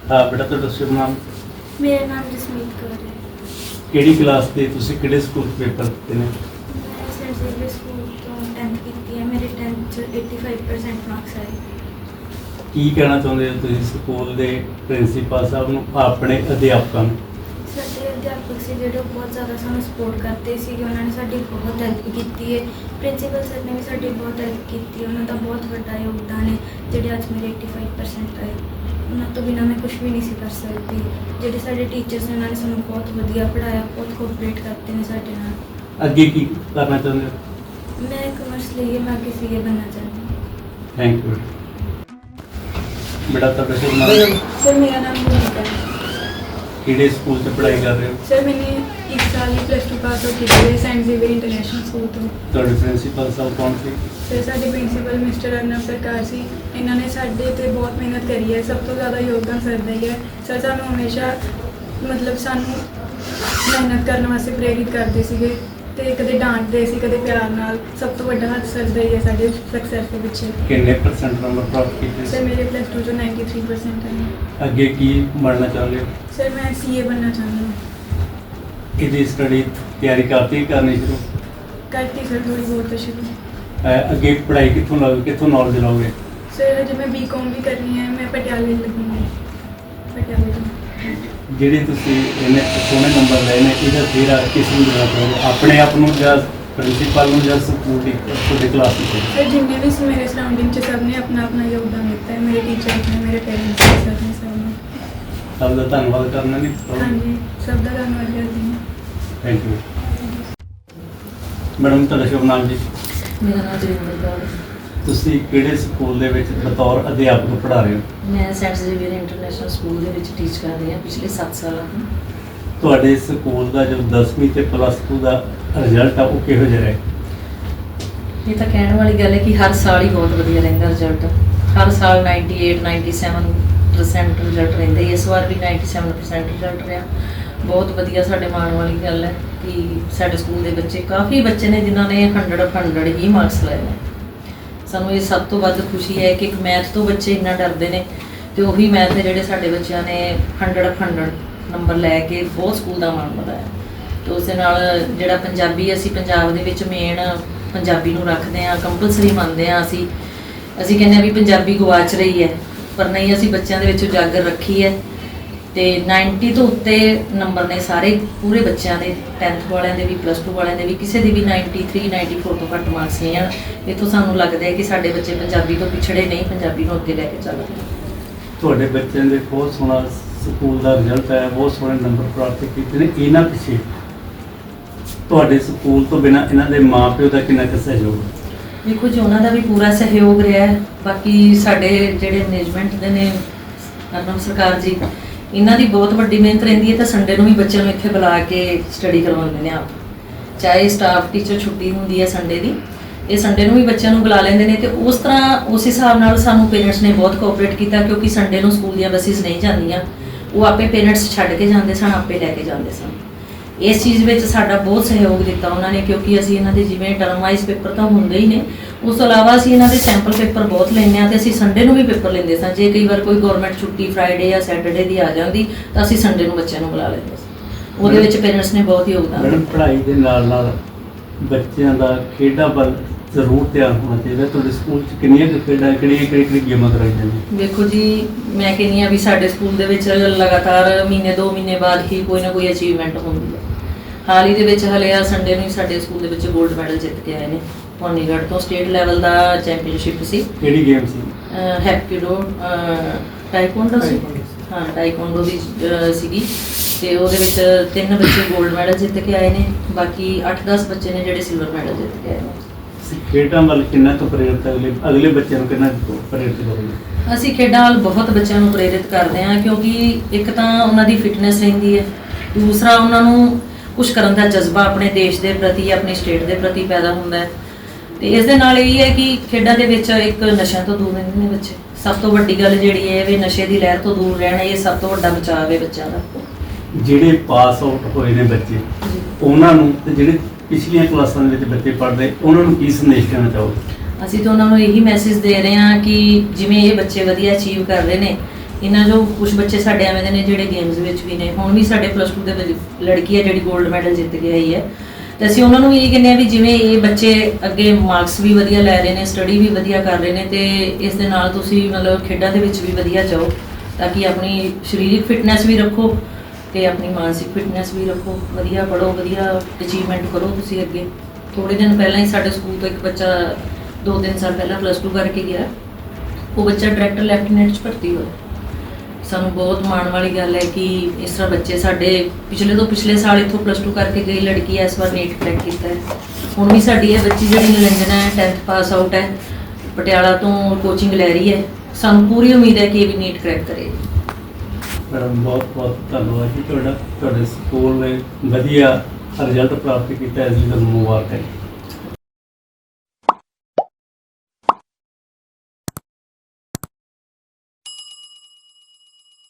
ਹਾਂ ਬੇਟਾ, ਤੁਹਾਡਾ ਸ਼ੁਭ ਨਾਮ? ਮੇਰਾ ਨਾਮ ਜਸਮੀਤ ਕੌਰ ਹੈ। ਕਿਹੜੀ ਕਲਾਸ ਦੇ ਤੁਸੀਂ ਕਿਹੜੇ ਸਕੂਲ 'ਚ ਪੇਪਰ ਦਿੱਤੇ ਨੇ? ਮੈਂ ਸੈਂਟ ਜ਼ੇਵੀਅਰ ਸਕੂਲ ਤੋਂ 10th ਕੀਤੀ ਹੈ। ਮੇਰੇ 10th 'ਚ 85% ਮਾਰਕਸ ਆਏ। ਕੀ ਕਹਿਣਾ ਚਾਹੁੰਦੇ ਹੋ ਤੁਸੀਂ ਸਕੂਲ ਦੇ ਪ੍ਰਿੰਸੀਪਲ ਸਾਹਿਬ ਨੂੰ, ਆਪਣੇ ਅਧਿਆਪਕਾਂ ਨੂੰ? ਸਾਡੇ ਅਧਿਆਪਕ ਸੀ ਜਿਹੜੇ ਉਹ ਬਹੁਤ ਜ਼ਿਆਦਾ ਸਾਨੂੰ ਸਪੋਰਟ ਕਰਦੇ ਸੀਗੇ। ਉਹਨਾਂ ਨੇ ਸਾਡੀ ਬਹੁਤ ਹੈਲਪ ਕੀਤੀ ਹੈ। ਪ੍ਰਿੰਸੀਪਲ ਸਰ ਨੇ ਵੀ ਸਾਡੀ ਬਹੁਤ ਹੈਲਪ ਕੀਤੀ ਹੈ। ਉਹਨਾਂ ਦਾ ਬਹੁਤ ਵੱਡਾ ਯੋਗਦਾਨ ਹੈ ਜਿਹੜੇ ਅੱਜ ਮੇਰੇ 85% ਆਏ। ਉਹਨਾਂ ਤੋਂ ਬਿਨਾਂ ਮੈਂ ਕੁਝ ਵੀ ਨਹੀਂ ਸੀ ਕਰ ਸਕਦੀ। ਜਿਹੜੇ ਸਾਡੇ ਟੀਚਰਸ ਨੇ ਉਹਨਾਂ ਨੇ ਸਾਨੂੰ ਬਹੁਤ ਵਧੀਆ ਪੜ੍ਹਾਇਆ, ਬਹੁਤ ਕੋਆਪਰੇਟ ਕਰਦੇ ਨੇ ਸਾਡੇ ਨਾਲ। ਅੱਗੇ ਕੀ ਕਰਨਾ ਚਾਹੁੰਦੇ ਹੋ? ਮੈਂ ਕਮਰਸ ਲਈ ਮੈਂ ਅੱਗੇ ਸੀਏ ਬਣਨਾ ਚਾਹੁੰਦੀ ਹਾਂ। ਥੈਂਕ ਯੂ ਬੇਟਾ, ਤੁਹਾਡਾ ਸ਼ੁਭ ਨਾਮ? सर मेरा नाम भूमिका है। ਕਿਹੜੇ ਸਕੂਲ 'ਚ ਪੜ੍ਹਾਈ ਕਰ ਰਹੇ ਹੋ? सर मैंने इस साल ही +2 पास आउट की है सेंट जेवियर इंटरनेशनल स्कूल तो। ਤੁਹਾਡੇ ਪ੍ਰਿੰਸੀਪਲ ਸਾਹਿਬ ਕੌਣ ਸੀ? सर साडे प्रिंसीपल मिस्टर अर्नब सरकार सी। इन्होंने साडे ते बहुत मेहनत करी है। सब तो ज़्यादा योगदान सर दा ही है। सर सानू हमेशा मतलब सानू मेहनत करने वास्ते प्रेरित करते सीगे ते कदे डांटदे सी कदे प्यार नाल। सब तो वड्डा हत्थ सर दा ही है साडे सक्सैस दे पिछे। ਕਿੰਨੇ % ਨੰਬਰ ਪ੍ਰਾਪਤ ਕੀਤੇ? सर मेरे +2 चो 93% है। ਅੱਗੇ ਕੀ ਬਣਨਾ ਚਾਹੁੰਦੇ ਹੋ? सर मैं CA बनना चाहती हूँ। ਇਹਦੀ ਸਟੱਡੀ ਤਿਆਰੀ ਕਰਨੀ ਸ਼ੁਰੂ? करती सर थोड़ी बहुत तो शुरू। ਅੱਗੇ ਪੜ੍ਹਾਈ ਕਿੱਥੋਂ ਲਓਗੇ, ਕਿੱਥੋਂ ਨੌਲੇਜ ਲਓਗੇ? सर अजे मैं BCom भी करनी है। मैं पटियाले लगूंगी, पटियाले तो। ਜਿਹੜੇ ਤੁਸੀਂ ਇਹਨੇ ਸੋਹਣੇ ਨੰਬਰ ਲਏ ਨੇ, ਇਹਦਾ ਤੇਰਾ ਕਿਸ ਨੂੰ ਦੇਣਾ ਚਾਹੋਗੇ? ਆਪਣੇ ਆਪ ਨੂੰ ਜਾਂ ਪ੍ਰਿੰਸੀਪਲ ਨੂੰ ਜਾਂ ਸਕੂਲ ਦੀ ਤੁਹਾਡੇ ਕਲਾਸ ਵਿੱਚ? सर जिन्हें भी मेरे सराउंडिंग सब ने अपना अपना योगदान दिता है। मेरे टीचर्स ने, मेरे पेरेंट्स ने, सर ने, सब ने। ਸਭ ਦਾ ਧੰਨਵਾਦ ਕਰਨਾ ਨਹੀਂ? हाँ जी, सब का धन्यवाद करती हूँ। ਥੈਂਕ ਯੂ ਮੈਡਮ, ਤੁਹਾਡਾ ਸ਼ੁਭ ਨਾਮ ਜੀ? ਮੇਰਾ ਨਾਮ ਜੋਗਿੰਦਰ ਕੌਰ ਹੈ। ਤੁਸੀਂ ਕਿਹੜੇ ਸਕੂਲ ਦੇ ਵਿੱਚ ਬਤੌਰ ਅਧਿਆਪਕ ਪੜ੍ਹਾ ਰਹੇ ਹੋ? ਮੈਂ ਸੈਂਟ ਜ਼ੇਵੀਅਰ ਇੰਟਰਨੈਸ਼ਨਲ ਸਕੂਲ ਦੇ ਵਿੱਚ ਟੀਚ ਕਰ ਰਹੀ ਹਾਂ ਪਿਛਲੇ 7 ਸਾਲਾਂ ਤੋਂ। ਤੁਹਾਡੇ ਸਕੂਲ ਦਾ ਜੋ 10ਵੀਂ ਤੇ +2 ਦਾ ਰਿਜ਼ਲਟ ਆ, ਉਹ ਕਿਹੋ ਜਿਹਾ ਰਿਹਾ? ਇਹ ਤਾਂ ਕਹਿਣ ਵਾਲੀ ਗੱਲ ਹੈ ਕਿ ਹਰ ਸਾਲ ਹੀ ਬਹੁਤ ਵਧੀਆ ਰਹਿੰਦਾ ਰਿਜ਼ਲਟ। ਹਰ ਸਾਲ 98 97% ਰਿਜ਼ਲਟ ਰਹਿੰਦਾ ਹੀ। ਇਸ ਵਾਰ ਵੀ 97% ਰਿਜ਼ਲਟ ਰਿਹਾ। ਬਹੁਤ ਵਧੀਆ, ਸਾਡੇ ਮਾਣ ਵਾਲੀ ਗੱਲ ਹੈ ਕਿ ਸਾਡੇ ਸਕੂਲ ਦੇ ਬੱਚੇ, ਕਾਫੀ ਬੱਚੇ ਨੇ ਜਿਨ੍ਹਾਂ ਨੇ 100 ਹੀ ਮਾਰਕਸ ਲਏ ਨੇ। ਸਾਨੂੰ ਇਹ ਸਭ ਤੋਂ ਵੱਧ ਖੁਸ਼ੀ ਹੈ ਕਿ ਇੱਕ ਮੈਥ ਤੋਂ ਬੱਚੇ ਇੰਨਾ ਡਰਦੇ ਨੇ ਤੇ ਉਹੀ ਮੈਥ ਦੇ ਜਿਹੜੇ ਸਾਡੇ ਬੱਚਿਆਂ ਨੇ 100 ਨੰਬਰ ਲੈ ਕੇ ਬਹੁਤ ਸਕੂਲ ਦਾ ਮਾਣ ਵਧਾਇਆ। ਤੇ ਉਸ ਦੇ ਨਾਲ ਜਿਹੜਾ ਪੰਜਾਬੀ, ਅਸੀਂ ਪੰਜਾਬ ਦੇ ਵਿੱਚ ਮੇਨ ਪੰਜਾਬੀ ਨੂੰ ਰੱਖਦੇ ਹਾਂ, ਕੰਪਲਸਰੀ ਮੰਨਦੇ ਹਾਂ। ਅਸੀਂ ਕਹਿੰਦੇ ਹਾਂ ਵੀ ਪੰਜਾਬੀ ਗਵਾਚ ਰਹੀ ਹੈ, ਪਰ ਨਹੀਂ, ਅਸੀਂ ਬੱਚਿਆਂ ਦੇ ਵਿੱਚ ਉਜਾਗਰ ਰੱਖੀ ਹੈ। ਤੇ 90 ਤੋਂ ਉੱਤੇ ਨੰਬਰ ਨੇ ਸਾਰੇ ਪੂਰੇ ਬੱਚਿਆਂ ਦੇ, 10th ਵਾਲਿਆਂ ਦੇ ਵੀ, +2 ਵਾਲਿਆਂ ਦੇ ਵੀ। ਕਿਸੇ ਦੀ ਵੀ 93 94 ਤੋਂ ਘੱਟ ਮਾਰਕਸ ਨਹੀਂ ਹਨ। ਇੱਥੋਂ ਸਾਨੂੰ ਲੱਗਦਾ ਹੈ ਕਿ ਸਾਡੇ ਬੱਚੇ ਪੰਜਾਬੀ ਤੋਂ ਪਿਛੜੇ ਨਹੀਂ, ਪੰਜਾਬੀ ਨੂੰ ਅੱਗੇ ਲੈ ਕੇ ਚੱਲਦੇ ਨੇ। ਤੁਹਾਡੇ ਬੱਚਿਆਂ ਦੇ ਬਹੁਤ ਸੋਹਣਾ ਸਕੂਲ ਦਾ ਰਿਜ਼ਲਟ ਆਇਆ, ਬਹੁਤ ਸੋਹਣੇ ਨੰਬਰ ਪ੍ਰਾਪਤ ਕੀਤੇ ਨੇ। ਇਹਨਾਂ ਪਿੱਛੇ ਤੁਹਾਡੇ ਸਕੂਲ ਤੋਂ ਬਿਨਾਂ ਇਹਨਾਂ ਦੇ ਮਾਪਿਓ ਦਾ ਕਿੰਨਾ ਕੁ ਸਹਿਯੋਗ? ਦੇਖੋ ਜੀ, ਉਹਨਾਂ ਦਾ ਵੀ ਪੂਰਾ ਸਹਿਯੋਗ ਰਿਹਾ ਹੈ। ਬਾਕੀ ਸਾਡੇ ਜਿਹੜੇ ਮੈਨੇਜਮੈਂਟ ਦੇ ਨੇ, ਅਰਨਬ ਸਰਕਾਰ ਜੀ, ਇਹਨਾਂ ਦੀ ਬਹੁਤ ਵੱਡੀ ਮਿਹਨਤ ਰਹਿੰਦੀ ਹੈ। ਤਾਂ ਸੰਡੇ ਨੂੰ ਵੀ ਬੱਚਿਆਂ ਨੂੰ ਇੱਥੇ ਬੁਲਾ ਕੇ ਸਟੱਡੀ ਕਰਵਾਉਂਦੇ ਨੇ ਆਪ। ਚਾਹੇ ਸਟਾਫ ਟੀਚਰ ਛੁੱਟੀ ਹੁੰਦੀ ਹੈ ਸੰਡੇ ਦੀ, ਇਹ ਸੰਡੇ ਨੂੰ ਵੀ ਬੱਚਿਆਂ ਨੂੰ ਬੁਲਾ ਲੈਂਦੇ ਨੇ। ਤੇ ਉਸ ਤਰ੍ਹਾਂ, ਉਸ ਹਿਸਾਬ ਨਾਲ ਸਾਨੂੰ ਪੇਰੈਂਟਸ ਨੇ ਬਹੁਤ ਕੋਆਪਰੇਟ ਕੀਤਾ, ਕਿਉਂਕਿ ਸੰਡੇ ਨੂੰ ਸਕੂਲ ਦੀਆਂ ਬੱਸਿਸ ਨਹੀਂ ਜਾਂਦੀਆਂ। ਉਹ ਆਪੇ ਪੇਰੈਂਟਸ ਛੱਡ ਕੇ ਜਾਂਦੇ ਸਨ, ਆਪੇ ਲੈ ਕੇ ਜਾਂਦੇ ਸਨ। ਇਸ ਚੀਜ਼ ਵਿੱਚ ਸਾਡਾ ਬਹੁਤ ਸਹਿਯੋਗ ਦਿੱਤਾ ਉਹਨਾਂ ਨੇ, ਕਿਉਂਕਿ ਅਸੀਂ ਇਹਨਾਂ ਦੇ ਜਿਵੇਂ ਟਰਮ ਵਾਈਜ਼ ਪੇਪਰ ਤਾਂ ਹੁੰਦੇ ਹੀ ਨੇ, ਉਸ ਤੋਂ ਇਲਾਵਾ ਅਸੀਂ ਇਹਨਾਂ ਦੇ ਸੈਂਪਲ ਪੇਪਰ ਬਹੁਤ ਲੈਂਦੇ ਹਾਂ। ਤੇ ਅਸੀਂ ਸੰਡੇ ਨੂੰ ਵੀ ਪੇਪਰ ਲੈਂਦੇ ਸਾਂ। ਜੇ ਕਈ ਵਾਰ ਕੋਈ ਗਵਰਨਮੈਂਟ ਛੁੱਟੀ ਫਰਾਈਡੇ ਜਾਂ ਸੈਟਰਡੇ ਦੀ ਆ ਜਾਂਦੀ ਤਾਂ ਅਸੀਂ ਸੰਡੇ ਨੂੰ ਬੱਚਿਆਂ ਨੂੰ ਬੁਲਾ ਲੈਂਦੇ ਸੀ। ਉਹਦੇ ਵਿੱਚ ਪੇਰੈਂਟਸ ਨੇ ਬਹੁਤ ਯੋਗਦਾਨ ਮੈਡਮ, ਦਿੱਤਾ। ਪੜ੍ਹਾਈ ਦੇ ਨਾਲ ਨਾਲ ਬੱਚਿਆਂ ਦਾ ਖੇਡਾਂ ਵੱਲ ਜ਼ਰੂਰ ਧਿਆਨ ਹੋਣਾ ਚਾਹੀਦਾ। ਤੁਹਾਡੇ ਸਕੂਲ 'ਚ ਕਿੰਨੀਆਂ ਕੁ ਖੇਡਾਂ, ਕਿਹੜੀਆਂ ਗੇਮਾਂ ਕਰਾਈ ਜਾਂਦੀਆਂ? ਦੇਖੋ ਜੀ, ਮੈਂ ਕਹਿੰਦੀ ਹਾਂ ਵੀ ਸਾਡੇ ਸਕੂਲ ਦੇ ਵਿੱਚ ਲਗਾਤਾਰ ਮਹੀਨੇ 2 ਮਹੀਨੇ ਬਾਅਦ ਹੀ ਕੋਈ ਨਾ ਕੋਈ ਅਚੀਵਮੈਂਟ ਹੁੰਦੀ ਹੈ। ਹਾਲ ਹੀ ਦੇ ਵਿੱਚ ਹਲੇ ਆ ਸੰਡੇ ਨੂੰ ਹੀ ਸਾਡੇ ਸਕੂਲ ਦੇ ਵਿੱਚ 골ਡ ਮੈਡਲ ਜਿੱਤ ਕੇ ਆਏ ਨੇ। ਭਵਾਨੀਗੜ੍ਹ ਤੋਂ ਸਟੇਟ ਲੈਵਲ ਦਾ ਚੈਂਪੀਅਨਸ਼ਿਪ ਸੀ। ਕਿਹੜੀ ਗੇਮ ਸੀ? ਹੈਪਕਿਡੋ, ਟਾਈਕਵਾਂਡੋ ਸੀ। ਹਾਂ, ਟਾਈਕਵਾਂਡੋ ਦੀ ਸੀਗੀ। ਤੇ ਉਹਦੇ ਵਿੱਚ 3 ਬੱਚੇ 골ਡ ਮੈਡਲ ਜਿੱਤ ਕੇ ਆਏ ਨੇ। ਬਾਕੀ 8-10 ਬੱਚੇ ਨੇ ਜਿਹੜੇ ਸਿਲਵਰ ਮੈਡਲ ਜਿੱਤ ਕੇ ਆਏ ਨੇ। ਖੇਡਾਂ ਵੱਲ ਕਿੰਨਾ ਕੁ ਪ੍ਰੇਰਿਤ, ਅਗਲੇ ਬੱਚਿਆਂ ਨੂੰ ਕਿੰਨਾ ਕੁ ਪ੍ਰੇਰਿਤ ਕਰੋਗੇ? ਅਸੀਂ ਖੇਡਾਂ ਵੱਲ ਬਹੁਤ ਬੱਚਿਆਂ ਨੂੰ ਪ੍ਰੇਰਿਤ ਕਰਦੇ ਹਾਂ, ਕਿਉਂਕਿ ਇੱਕ ਤਾਂ ਉਹਨਾਂ ਦੀ ਫਿਟਨੈਸ ਰਹਿੰਦੀ ਹੈ, ਦੂਸਰਾ ਉਹਨਾਂ ਨੂੰ ਕੁਝ ਕਰਨ ਦਾ ਜਜ਼ਬਾ ਆਪਣੇ ਦੇਸ਼ ਦੇ ਪ੍ਰਤੀ, ਆਪਣੀ ਸਟੇਟ ਦੇ ਪ੍ਰਤੀ ਪੈਦਾ ਹੁੰਦਾ ਹੈ। ਤੇ ਇਸ ਦੇ ਨਾਲ ਇਹ ਹੈ ਕਿ ਖੇਡਾਂ ਦੇ ਵਿੱਚ ਇੱਕ ਨਸ਼ਿਆਂ ਤੋਂ ਦੂਰ ਰਹਿੰਦੇ ਨੇ ਬੱਚੇ। ਸਭ ਤੋਂ ਵੱਡੀ ਗੱਲ ਜਿਹੜੀ ਹੈ ਵੀ ਨਸ਼ੇ ਦੀ ਲਹਿਰ ਤੋਂ ਦੂਰ ਰਹਿਣਾ, ਇਹ ਸਭ ਤੋਂ ਵੱਡਾ ਬਚਾਅ ਹੈ ਬੱਚਿਆਂ ਦਾ। ਜਿਹੜੇ ਪਾਸ ਆਊਟ ਹੋਏ ਨੇ ਬੱਚੇ, ਉਹਨਾਂ ਨੂੰ, ਤੇ ਜਿਹੜੇ ਪਿਛਲੀਆਂ ਕਲਾਸਾਂ ਦੇ ਵਿੱਚ ਬੱਚੇ ਪੜ੍ਹਦੇ, ਉਹਨਾਂ ਨੂੰ ਕੀ ਸੰਦੇਸ਼ ਦੇਣਾ ਚਾਹੋਗੇ? ਅਸੀਂ ਤਾਂ ਉਹਨਾਂ ਨੂੰ ਇਹੀ ਮੈਸੇਜ ਦੇ ਰਹੇ ਹਾਂ ਕਿ ਜਿਵੇਂ ਇਹ ਬੱਚੇ ਵਧੀਆ ਅਚੀਵ ਕਰ ਰਹੇ ਨੇ, ਇਹਨਾਂ ਜੋ ਕੁਝ ਬੱਚੇ ਸਾਡੇ ਐਵੇਂ ਦੇ ਨੇ ਜਿਹੜੇ ਗੇਮਸ ਵਿੱਚ ਵੀ ਨੇ। ਹੁਣ ਵੀ ਸਾਡੇ +2 ਦੇ ਵਿੱਚ ਲੜਕੀ ਹੈ ਜਿਹੜੀ 골ਡ ਮੈਡਲ ਜਿੱਤ ਕੇ ਆਈ ਹੈ, ਤੇ ਅਸੀਂ ਉਹਨਾਂ ਨੂੰ ਵੀ ਇਹ ਕਹਿੰਦੇ ਆ ਵੀ ਜਿਵੇਂ ਇਹ ਬੱਚੇ ਅੱਗੇ ਮਾਰਕਸ ਵੀ ਵਧੀਆ ਲੈ ਰਹੇ ਨੇ, ਸਟੱਡੀ ਵੀ ਵਧੀਆ ਕਰ ਰਹੇ ਨੇ, ਤੇ ਇਸ ਦੇ ਨਾਲ ਤੁਸੀਂ ਮਤਲਬ ਖੇਡਾਂ ਦੇ ਵਿੱਚ ਵੀ ਵਧੀਆ ਜਾਓ ਤਾਂ ਕਿ ਆਪਣੀ ਸਰੀਰਕ ਫਿਟਨੈਸ ਵੀ ਰੱਖੋ ਤੇ ਆਪਣੀ ਮਾਨਸਿਕ ਫਿਟਨੈਸ ਵੀ ਰੱਖੋ। ਵਧੀਆ ਪੜ੍ਹੋ, ਵਧੀਆ ਅਚੀਵਮੈਂਟ ਕਰੋ ਤੁਸੀਂ ਅੱਗੇ। ਥੋੜੇ ਦਿਨ ਪਹਿਲਾਂ ਹੀ ਸਾਡੇ ਸਕੂਲ ਤੋਂ ਇੱਕ ਬੱਚਾ 2-3 ਸਾਲ ਪਹਿਲਾਂ +2 ਕਰਕੇ ਗਿਆ, ਉਹ ਬੱਚਾ ਡਾਇਰੈਕਟਰ ਲੈਫਟੀਨੈਂਟ 'ਚ ਭਰਤੀ ਹੋਇਆ। ਸਾਨੂੰ ਬਹੁਤ ਮਾਣ ਵਾਲੀ ਗੱਲ ਹੈ ਕਿ ਇਸ ਤਰ੍ਹਾਂ ਬੱਚੇ ਸਾਡੇ ਪਿਛਲੇ ਸਾਲ ਇੱਥੋਂ +2 ਕਰਕੇ ਗਈ ਲੜਕੀ ਹੈ, ਇਸ ਵਾਰ ਨੀਟ ਕਰੈਕ ਕੀਤਾ ਹੈ। ਹੁਣ ਵੀ ਸਾਡੀ ਇਹ ਬੱਚੀ ਜਿਹੜੀ ਨਿਰੰਜਨਾ ਹੈ 10th ਪਾਸ ਆਊਟ ਹੈ, ਪਟਿਆਲਾ ਤੋਂ ਕੋਚਿੰਗ ਲੈ ਰਹੀ ਹੈ। ਸਾਨੂੰ ਪੂਰੀ ਉਮੀਦ ਹੈ ਕਿ ਇਹ ਵੀ ਨੀਟ ਕਰੈਕ ਕਰੇਗੀ। ਮੈਡਮ ਬਹੁਤ ਬਹੁਤ ਧੰਨਵਾਦ ਜੀ ਤੁਹਾਡਾ, ਤੁਹਾਡੇ ਸਕੂਲ ਨੇ ਵਧੀਆ ਰਿਜ਼ਲਟ ਪ੍ਰਾਪਤ ਕੀਤਾ, ਇਸ ਲਈ ਤੁਹਾਨੂੰ ਮੁਬਾਰਕਾਂ ਜੀ।